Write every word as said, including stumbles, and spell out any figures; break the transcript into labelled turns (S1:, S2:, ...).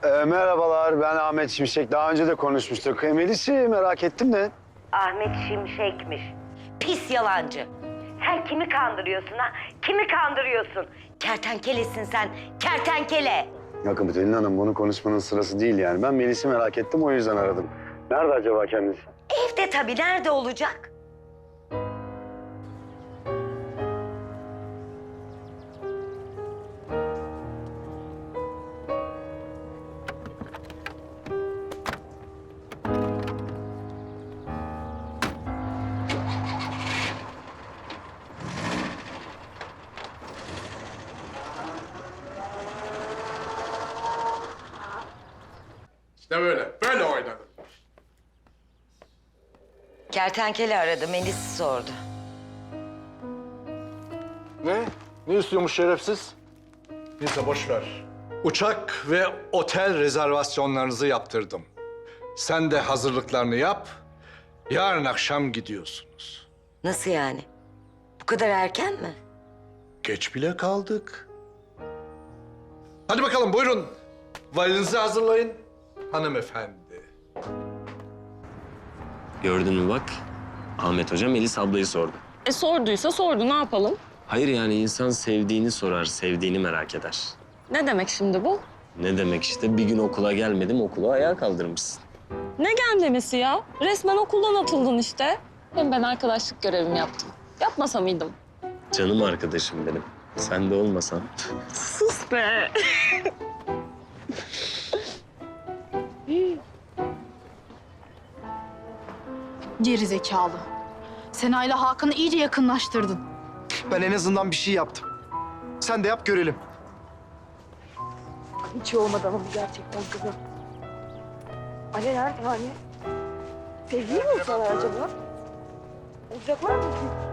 S1: Ee, merhabalar, ben Ahmet Şimşek. Daha önce de konuşmuştuk. E, Melis'i merak ettim de.
S2: Ahmet Şimşek'miş. Pis yalancı. Sen kimi kandırıyorsun ha? Kimi kandırıyorsun? Kertenkelesin sen, kertenkele.
S1: Bakın Pelin Hanım, bunu konuşmanın sırası değil yani. Ben Melis'i merak ettim, o yüzden aradım. Nerede acaba kendisi?
S2: Evde tabii, nerede olacak?
S3: İşte böyle, böyle oynadım.
S2: Kertenkele aradı, Melis'i sordu.
S4: Ne? Ne istiyormuş şerefsiz?
S3: Neyse boş ver.
S4: Uçak ve otel rezervasyonlarınızı yaptırdım. Sen de hazırlıklarını yap. Yarın akşam gidiyorsunuz.
S2: Nasıl yani? Bu kadar erken mi?
S4: Geç bile kaldık. Hadi bakalım buyurun. Valizinizi hazırlayın hanımefendi.
S5: Gördün mü bak? Ahmet Hoca Melis ablayı sordu.
S6: E sorduysa sordu, ne yapalım?
S5: Hayır yani insan sevdiğini sorar, sevdiğini merak eder.
S6: Ne demek şimdi bu?
S5: Ne demek işte bir gün okula gelmedim, okulu ayağa kaldırmışsın.
S6: Ne gelmemesi ya? Resmen okuldan atıldın işte. Hem ben arkadaşlık görevimi yaptım. Yapmasa mıydım?
S5: Canım arkadaşım benim. Sen de olmasan.
S6: Sus be!
S7: Geri zekalı. Sena'yla Hakan'ı iyice yakınlaştırdın.
S8: Ben en azından bir şey yaptım. Sen de yap görelim.
S7: Hiç olmadı ama gerçekten kızım. Ali nerede Ali? Sevgili mi sana acaba? Olacaklar mı ki?